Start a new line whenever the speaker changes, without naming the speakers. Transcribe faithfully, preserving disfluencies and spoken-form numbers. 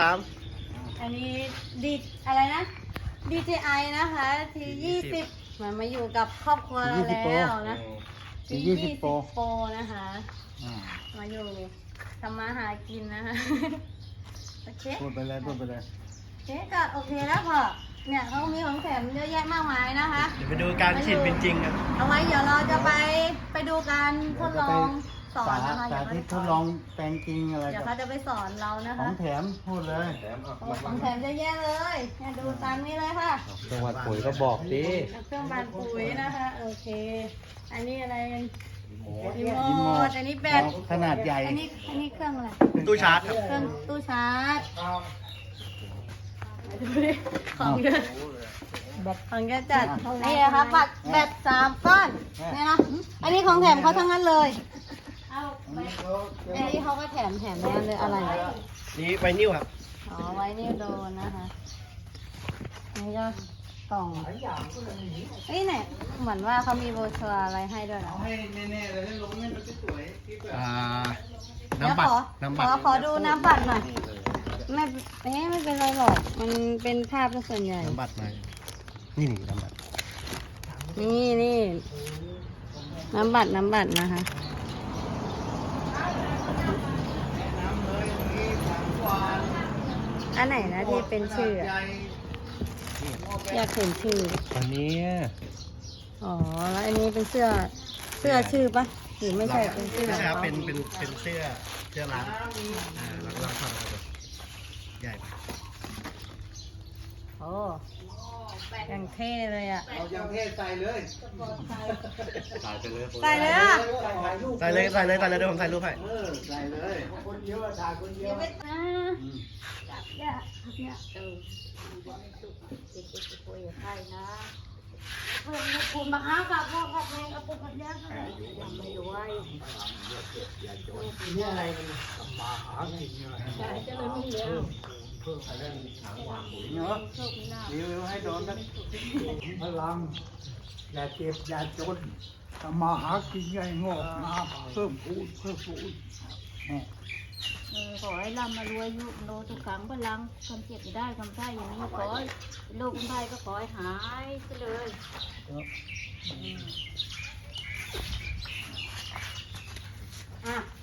สาม
อันนี้ดีอะไรนะ ดี เจ ไอ นะคะทียี่สิบมันมาอยู่กับครอบครัวเราแล้วนะทียี่สิบโปรนะคะมาอยู่ทำมาหากินนะคะโอเค
พูดไปเลยพูดไปเลย
โอเคก็โอเคแล้วพอเนี่ยเขามีของแถมเยอะแยะมากมายนะคะ
เดี๋ยวไปดูการฉีดเป็นจริงกัน
เอาไว้เดี๋ยวเราจะไปไปดูการทดลองสอนนะคะ
สาธิตทดลองแปลงจริงอะไร
เดี๋ยวเขาจะไปสอนเรานะ
ขอ
คะ
งแถมพูดเลย
ของแถมเยอะแยะเลยเนี่ยดูตามนี้เลยค่ะ
จังหวัดปุ๋ยก็บอกดิ
เครื่องบานปุ๋ยนะคะโอเคอันนี้อะไรรีโมทอันนี้แบต
ขนาดใหญ่
อันนี้อันนี้เครื่องอะไร
ตู้ชาร์จครับ
เครื่องตู้ชาร์จดูดิของเยอะของเยอะจัดนี่นะคะบัตรแบตสามก้อนเนี่ยนะอันนี้ของแถมเขาทั้งนั้นเลยเอาอันนี้เขาก็แถมแถมแน่เลยอะไร
นี่ไวนิวครับ
อ๋อไว้นี่โดนนะคะนี่ก็กล่องเอ้ยเนี่ยเหมือนว่าเขามีโบชัวอะไรให้ด้วยนะ
ให้แน่ๆเลยลงให้มันสวยๆ
อ่า
เดี๋ยว
น้ำบัต
ข
ร
อ
น้ำ
ข
บัต
อ
ร
ขอดูน้ำบัตรหน่อยไม่เอ๊ะไม่เป็นไรหรอกมันเป็นภาพเป็นส่วนใหญ่
น้ำบัตรมานี่นี่น้ำบัตร
นี่นี่น้ำบัตรน้ำบัตรนะคะ อันไหนนะที่เป็นชื่ออะอยากเห็นชื่อ
อันนี้
อ๋อแล้วอันนี้เป็นเสื้อเสื้อชื่อปะหรือไม่ใช่เป็นเสื้อ
ไม่ใช่ครับเป็นเป็นเป็นเสื้อเสื้อร้านอ่าร้านร้านทำครับใหญ่ไป
โอ้ยังเท่เลยอ่ะ
เอาอย่างเทศใส่เลย
ถ่ายไปเลย
ใส่เลยอ่ะ
ใส่เลยใส่เลยใส่เลยเดี๋ยวผมถ่ายรูปให้
เออใส่เลยคนเดียวถ่ายคนเดียว
อ่าเนี่ยเนี่ยเออเด็กๆคุยกับใครนะเพื่อนคุณมาหากับพ่อกับแม่กับปู่กับย่ายังไม่รวยนี่อะไรกันมาหากินอะไรใช่จะเลยไม่เลี้ยง
เพิ่มอะไรเนาะรีวิวให้โดนนะพลังอย่าเจ็บอย่าจนทำมาหากินใหญ่งอกงามเพิ่มพูนเพิ่มพูน
เออขอให้ร่ำมารวยยุโลทุกขังพลังความเจ็บไม่ได้ความไข้อย่างนี้ขอให้โรคภัยก็ขอให้หายไปเลย
อ่ะ